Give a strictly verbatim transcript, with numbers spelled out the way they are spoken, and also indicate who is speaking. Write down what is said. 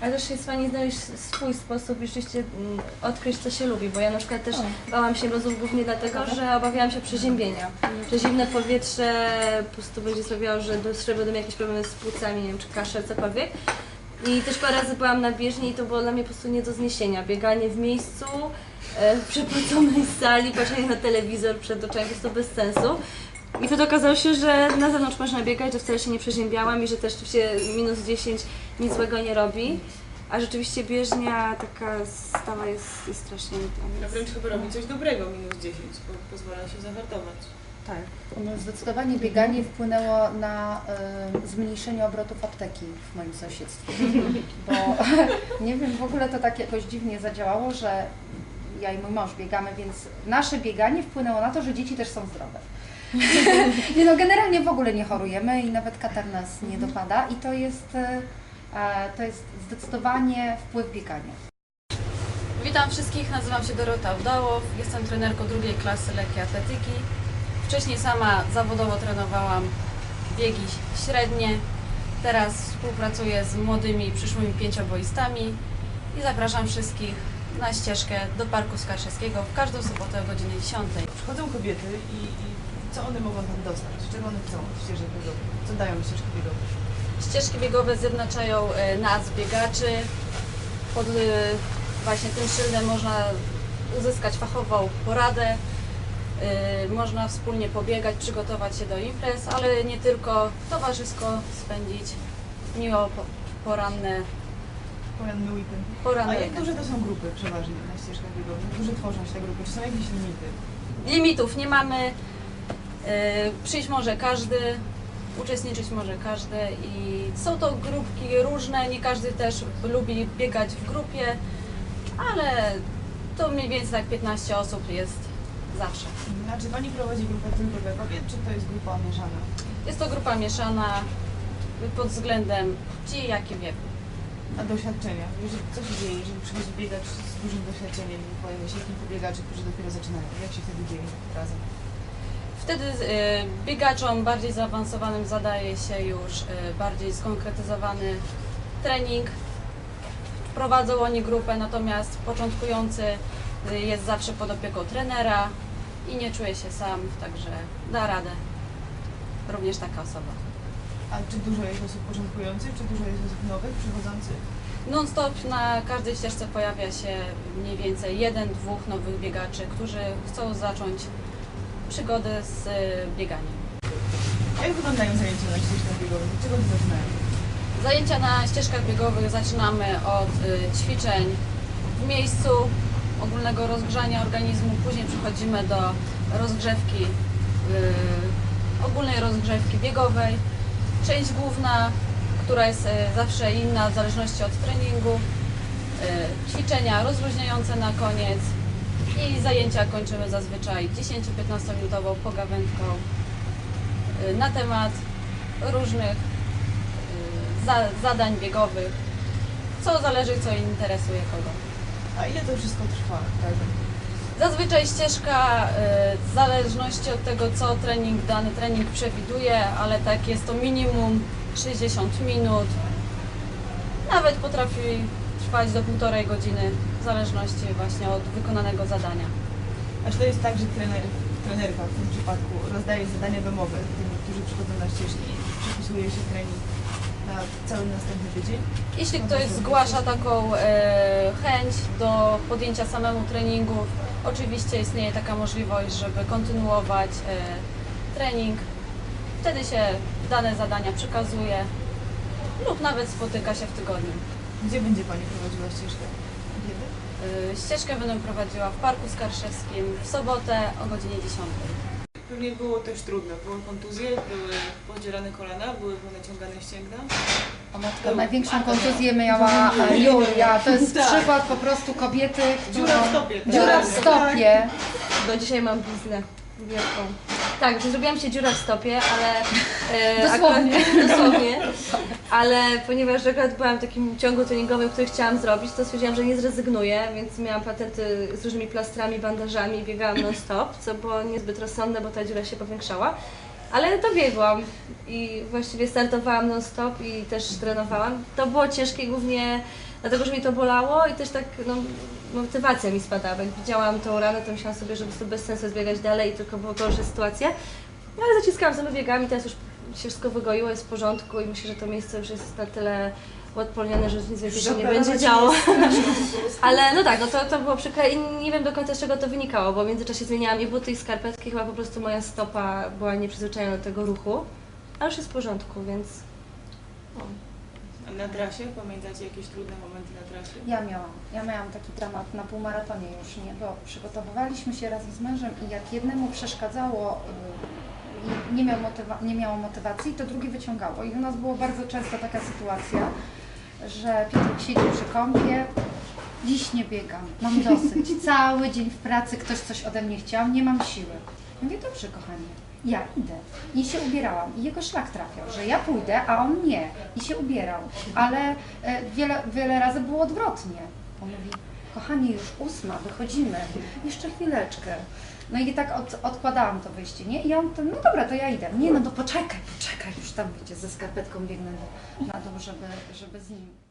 Speaker 1: Ale też jest fajnie znaleźć swój sposób i rzeczywiście mm, odkryć, co się lubi, bo ja na przykład też bałam się mrozów głównie dlatego, że obawiałam się przeziębienia. Że zimne powietrze po prostu będzie sprawiało, że, że będą jakieś problemy z płucami, nie wiem, czy kaszel, cokolwiek. I też parę razy byłam na bieżni i to było dla mnie po prostu nie do zniesienia. Bieganie w miejscu, e, w przepełconej sali, patrzenie na telewizor przed oczami, po prostu bez sensu. I wtedy okazało się, że na zewnątrz można biegać, że wcale się nie przeziębiałam i że też się minus dziesięć nic złego nie robi. A rzeczywiście bieżnia taka stała jest, jest strasznie...
Speaker 2: A wręcz chyba robi coś dobrego minus dziesięć, bo pozwala się zahartować.
Speaker 3: Tak. No, zdecydowanie bieganie wpłynęło na y, zmniejszenie obrotów apteki w moim sąsiedztwie. Bo nie wiem, w ogóle to tak jakoś dziwnie zadziałało, że ja i mój mąż biegamy, więc nasze bieganie wpłynęło na to, że dzieci też są zdrowe. Nie no, generalnie w ogóle nie chorujemy i nawet katar nas nie dopada i to jest, y, to jest zdecydowanie wpływ biegania.
Speaker 4: Witam wszystkich, nazywam się Dorota Udałow, jestem trenerką drugiej klasy lekkiej atletyki. Wcześniej sama zawodowo trenowałam biegi średnie, teraz współpracuję z młodymi przyszłymi pięcioboistami i zapraszam wszystkich na ścieżkę do Parku Skarszewskiego w każdą sobotę o godzinie dziesiątej.
Speaker 2: Przychodzą kobiety i, i co one mogą tam dostać? Czego one chcą od ścieżek biegowych? Co dają ścieżki biegowe?
Speaker 4: Ścieżki biegowe zjednaczają e, nas, biegaczy. Pod e, właśnie tym szyldem można uzyskać fachową poradę. Yy, można wspólnie pobiegać, przygotować się do imprez, ale nie tylko, towarzysko spędzić miło po, poranne,
Speaker 2: Poranny weekend.
Speaker 4: poranne
Speaker 2: A jak
Speaker 4: weekend.
Speaker 2: duże to są grupy przeważnie na ścieżkach biegowych? Jak duże tworzą się te grupy? Czy są jakieś limity?
Speaker 4: Limitów nie mamy, yy, przyjść może każdy, uczestniczyć może każdy i są to grupki różne, nie każdy też lubi biegać w grupie, ale to mniej więcej tak piętnaście osób jest zawsze.
Speaker 2: A czy Pani prowadzi grupę tylko dla kobiet, czy to jest grupa mieszana?
Speaker 4: Jest to grupa mieszana pod względem płci, jak i wieku.
Speaker 2: A doświadczenia? Jeżeli, co się dzieje, jeżeli przychodzi biegacz z dużym doświadczeniem i pojawia się kilku biegaczy, którzy dopiero zaczynają? Jak się wtedy dzieje razem?
Speaker 4: Wtedy y, biegaczom bardziej zaawansowanym zadaje się już y, bardziej skonkretyzowany trening. Prowadzą oni grupę, natomiast początkujący y, jest zawsze pod opieką trenera i nie czuje się sam, także da radę. Również taka osoba.
Speaker 2: A czy dużo jest osób początkujących, czy dużo jest osób nowych, przychodzących?
Speaker 4: Non-stop na każdej ścieżce pojawia się mniej więcej jeden, dwóch nowych biegaczy, którzy chcą zacząć przygodę z y, bieganiem.
Speaker 2: Jak wyglądają zajęcia na ścieżkach biegowych? Od czego one zaczynają?
Speaker 4: Zajęcia na ścieżkach biegowych zaczynamy od y, ćwiczeń w miejscu, ogólnego rozgrzania organizmu, później przechodzimy do rozgrzewki, y, ogólnej rozgrzewki biegowej. Część główna, która jest y, zawsze inna w zależności od treningu, y, ćwiczenia rozluźniające na koniec i zajęcia kończymy zazwyczaj dziesięcio-piętnastominutową pogawędką y, na temat różnych Za, zadań biegowych, co zależy, co interesuje kogo.
Speaker 2: A ile to wszystko trwa? Tak?
Speaker 4: Zazwyczaj ścieżka, y, w zależności od tego, co trening, dany trening przewiduje, ale tak jest to minimum sześćdziesiąt minut. Nawet potrafi trwać do półtorej godziny, w zależności właśnie od wykonanego zadania.
Speaker 2: A czy to jest tak, że trener, trenerka w tym przypadku rozdaje zadania domowe tym, którzy przychodzą na ścieżki i przypisuje się trening na cały następny tydzień?
Speaker 4: Jeśli ktoś zgłasza taką e, chęć do podjęcia samemu treningów, oczywiście istnieje taka możliwość, żeby kontynuować e, trening. Wtedy się dane zadania przekazuje lub nawet spotyka się w tygodniu.
Speaker 2: Gdzie będzie Pani prowadziła ścieżkę? Kiedy?
Speaker 4: E, ścieżkę będę prowadziła w Parku Skarszewskim w sobotę o godzinie dziesiątej.
Speaker 2: Pewnie było też trudno. Były kontuzje, były podzierane kolana, były naciągane ścięgna.
Speaker 3: O matko, największą kontuzję miała e, Julia. To jest
Speaker 2: Tak.
Speaker 3: przykład po prostu kobiety, która...
Speaker 2: Dziura w stopie. tak.
Speaker 3: Dziura w stopie.
Speaker 1: Do dzisiaj mam bliznę wielką. Tak, że zrobiłam się dziura w stopie, ale... E,
Speaker 3: Dosłownie.
Speaker 1: Akurat, dosłownie. Ale ponieważ akurat byłam w takim ciągu treningowym, który chciałam zrobić, to stwierdziłam, że nie zrezygnuję, więc miałam patenty z różnymi plastrami, bandażami i biegałam non stop, co było niezbyt rozsądne, bo ta dziura się powiększała. Ale dobiegłam i właściwie startowałam non-stop i też trenowałam. To było ciężkie głównie dlatego, że mi to bolało i też tak no, motywacja mi spadała. Jak widziałam tą ranę, to myślałam sobie, że po prostu bez sensu jest biegać dalej i tylko było gorsze sytuacje. No, ale zaciskałam sobie biegami, teraz już się wszystko wygoiło, jest w porządku i myślę, że to miejsce już jest na tyle uodpornione, że nic więcej się nie będzie działo. Ale no tak, no to, to było przykre i nie wiem do końca z czego to wynikało, bo w międzyczasie zmieniałam i buty i skarpetki, chyba po prostu moja stopa była nieprzyzwyczajona do tego ruchu, ale już jest w porządku, więc... O.
Speaker 2: A na trasie? Pamiętacie jakieś trudne momenty na trasie?
Speaker 3: Ja miałam, ja miałam taki dramat na półmaratonie już, nie, bo przygotowywaliśmy się razem z mężem i jak jednemu przeszkadzało, y, nie, miał motywa- nie miało motywacji, to drugi wyciągało. I u nas było bardzo często taka sytuacja, że Piotr siedzi przy kąpie, dziś nie biegam, mam dosyć, cały dzień w pracy ktoś coś ode mnie chciał, nie mam siły. Ja mówię, dobrze kochanie, ja idę. I się ubierałam. I jego szlak trafiał, że ja pójdę, a on nie. I się ubierał. Ale e, wiele, wiele razy było odwrotnie. On mówi, kochanie, już ósma, wychodzimy. Jeszcze chwileczkę. No i tak od, odkładałam to wyjście, nie? I on, to, no dobra, to ja idę. Nie, no to poczekaj, poczekaj, już tam wiecie, ze skarpetką biegnę na dół, żeby, żeby z nim